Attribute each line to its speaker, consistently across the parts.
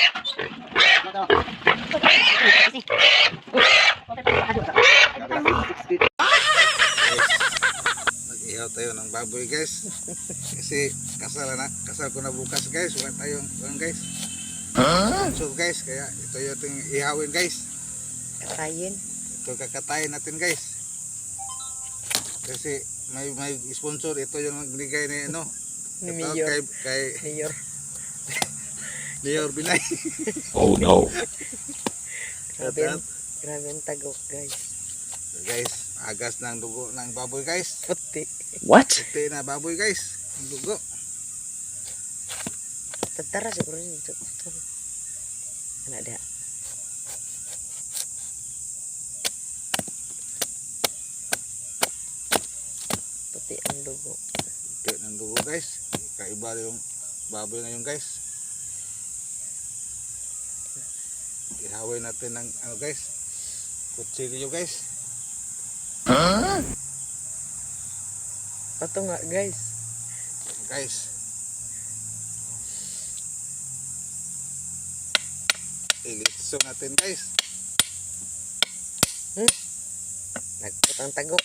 Speaker 1: Mag-ihaw tayo ng baboy guys. Kasi kasal ko na bukas guys. Wala tayong guys. So guys, kaya ito yung ihawin guys.
Speaker 2: Katayin.
Speaker 1: Ito kakatayin natin guys. Kasi may sponsor, ito yung nagbigay ni ano.
Speaker 2: Ni
Speaker 1: Ito
Speaker 2: Mayor.
Speaker 1: kay
Speaker 2: Mayor.
Speaker 1: Mayor Binay.
Speaker 3: Oh no.
Speaker 2: Grabe ang tagok guys.
Speaker 1: So guys, agas ng dugo ng baboy guys.
Speaker 2: Puti.
Speaker 3: What?
Speaker 1: Puti na baboy guys. Ang dugo.
Speaker 2: Tentara siguro itu. Anak dia. Puti ang dugo.
Speaker 1: Puti ng dugo guys. Kaiba yung baboy ngayon guys. Ihawin natin ng ano guys. Kutsilyo guys.
Speaker 2: Pato nga guys.
Speaker 1: Guys. Ilitso natin guys.
Speaker 2: Nagput ang tagok.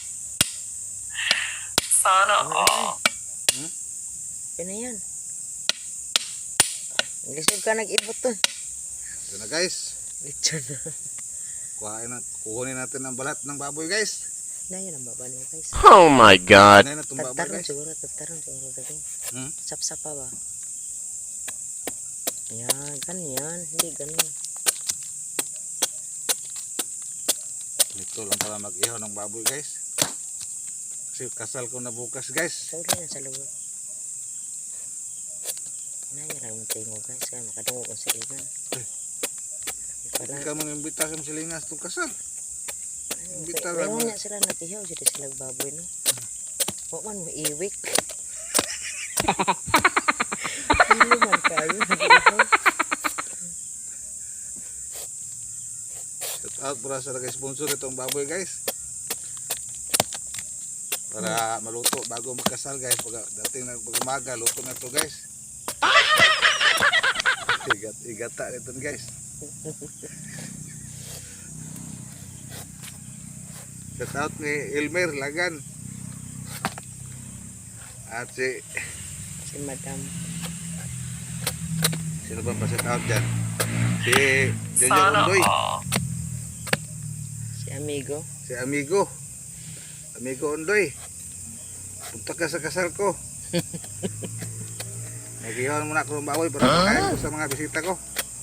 Speaker 3: Sana all.
Speaker 2: Yan na yan. Lisod ka nag-ibot to.
Speaker 1: Ito na guys.
Speaker 2: Lechon na.
Speaker 1: Kukunin natin ang balat ng baboy guys.
Speaker 2: Na yan ang baba niyo guys.
Speaker 3: Oh my god.
Speaker 1: Kukunin na itong baboy
Speaker 2: Tataron
Speaker 1: guys.
Speaker 2: siguro dali. Sap-sapa ba? Yan, ganyan. Hindi ganun.
Speaker 1: Ito lang para mag-ihaw ng baboy guys. Kasi kasal ko na bukas guys.
Speaker 2: Sauli na sa lugar. Naya lang tingo guys. Kaya makadungo kong silingan.
Speaker 1: Hindi ka mong imbita sa silingas itong kasal. Imbita
Speaker 2: Kaya
Speaker 1: lang.
Speaker 2: mo niya sila natihaw. Sila silang baboy no. Huwag man mo iwik. Hindi man kayo.
Speaker 1: Shout out para sa nag-sponsor itong baboy guys. Para maluto bago magkasal guys. Dating pag umaga, luto na ito guys. Igata nito guys. Shout out ni Elmer Lagan. At si
Speaker 2: Madam.
Speaker 1: sino ba shout out dyan? Si Junior Undoy.
Speaker 2: Si Amigo.
Speaker 1: Si Amigo. Amigo Undoy. Punta ka sa kasal ko. Nag-ihawan muna ako ng baboy para makain ko sa mga bisita ko.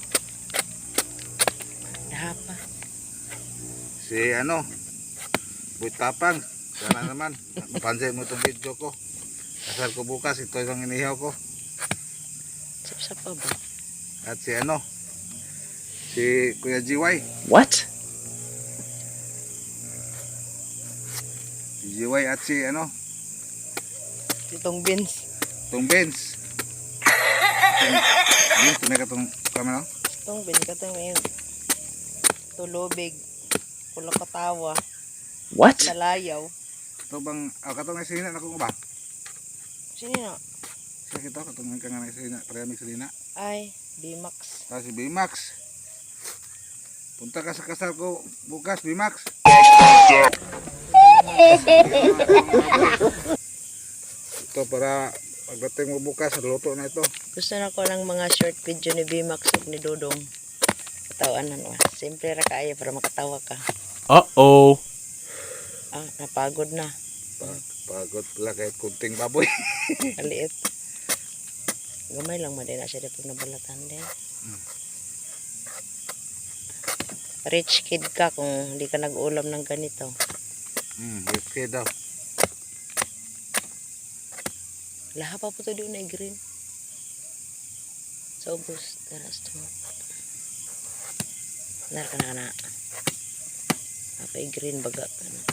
Speaker 2: Dahapa.
Speaker 1: Si ano, Boy Tapang. Sana naman, mapansin mo itong video ko. Kasal ko bukas, ito yung inihaw ko.
Speaker 2: Sap-sapa ba?
Speaker 1: At si ano, si Kuya GY.
Speaker 3: What?
Speaker 1: Si GY at si ano,
Speaker 2: Itong beans.
Speaker 1: itong Benz. Benz, tunay ka itong kamera.
Speaker 2: Itong beans ka itong yun. Tulubig. Kulo katawa.
Speaker 3: What?
Speaker 2: Salayaw.
Speaker 1: Ito bang, katong nga silina na kung ba?
Speaker 2: Sino na?
Speaker 1: Sa kita, katong nga nga silina, parehami silina.
Speaker 2: Ay, B-Max.
Speaker 1: Si B-Max. Punta ka sa kasal ko bukas, B-Max. Ito para pagdating mo bukas, luto na ito.
Speaker 2: Gusto na ko ng mga short video ni B-Max ug ni Dodong. Katawanan wa. Simple ra kaayo para makatawa ka.
Speaker 3: Uh-oh.
Speaker 2: Ah, napagod na.
Speaker 1: Pagod pala kahit kunting baboy.
Speaker 2: Kaliit. Gamay lang man din na siya pag nabalatan din. Rich kid ka kung hindi ka nag-ulam ng ganito.
Speaker 1: Okay daw.
Speaker 2: Laha pa po ito doon na green. So, bus, taras to. Nar ka na. Apa green baga ka na.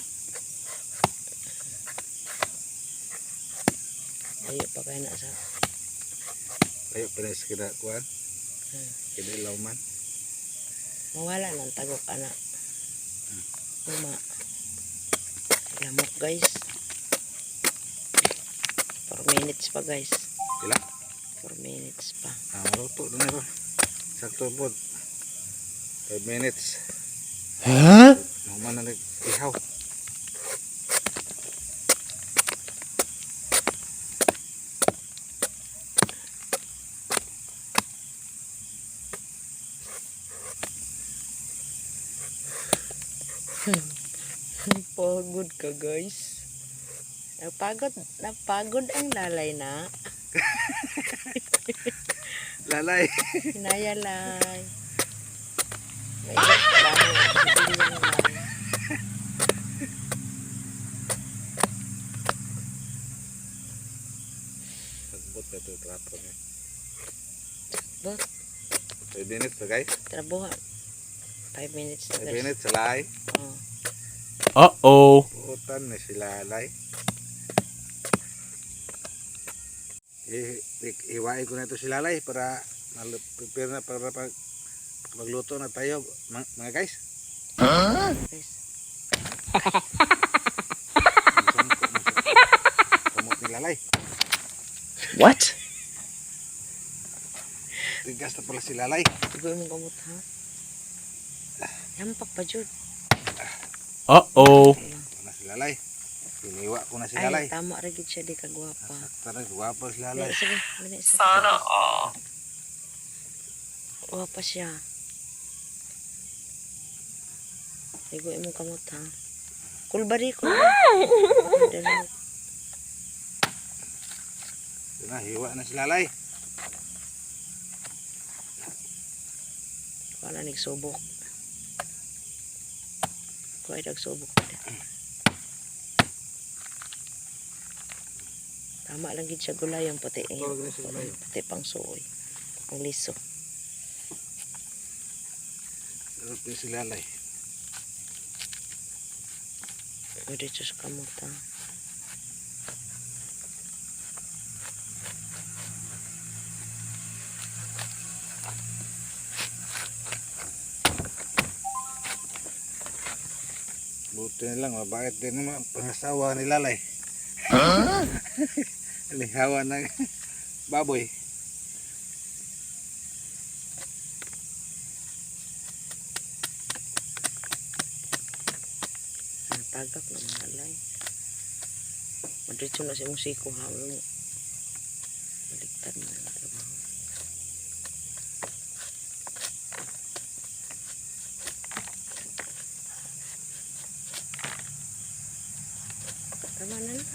Speaker 2: Ayo pa kayo na sa.
Speaker 1: Ayo pinis kita kuan. Kini lauman.
Speaker 2: Mawala ng tagok anak. Uma. Lamok guys. 4 minutes pa guys.
Speaker 1: Pila?
Speaker 2: 4 minutes pa.
Speaker 1: Maluto na ito. Sakto po. 5 minutes.
Speaker 3: Huh?
Speaker 1: Naman na nag-ihaw.
Speaker 2: Pagod ka guys. Napagod ang lalay na.
Speaker 1: Lalay.
Speaker 2: Hinayalay. May lang.
Speaker 1: Nagbot na ito trapo niya.
Speaker 2: Bot,
Speaker 1: 5 minutes na guys.
Speaker 2: trabuhan. 5 minutes na
Speaker 1: 5
Speaker 2: guys.
Speaker 1: minutes sa lay.
Speaker 2: Oh.
Speaker 3: Uh-oh.
Speaker 1: Putan na si lalay. Iwain ko na ito si lalay para prepare na para magluto na tayo mga guys.
Speaker 2: Guys.
Speaker 1: Kamot ni lalay.
Speaker 3: What?
Speaker 1: Tigas na pala si lalay.
Speaker 2: Igoy mong kamot ha. Yampak pa jud.
Speaker 3: Uh-oh.
Speaker 1: Ito na si lalay. Iniwa ko na si
Speaker 2: Ay,
Speaker 1: lalay.
Speaker 2: tama ra gid siya di kagwapa.
Speaker 1: Tara, guwapo si
Speaker 2: Dali,
Speaker 1: lalay.
Speaker 2: sige, dali, sige.
Speaker 3: Sana all.
Speaker 2: Gwapa siya. Igoy mong kamot ha. Kulbari, kulbari. Dali.
Speaker 1: Ito na, hiwa na si lalay.
Speaker 2: Wala nagsubok. Kuha nagsubok. Tama lang gid siya gulay yung puti. Puti pang suoy. Ang liso.
Speaker 1: Ito si lalay.
Speaker 2: O dito sa kamot ha.
Speaker 1: Buti na lang, mabait din naman pangasawa ni lalay. Lihawa ng baboy.
Speaker 2: Ang tagak ng mga alay. Madritso na si musiko ha. Baliktad mo yung trabaho. Tama na na.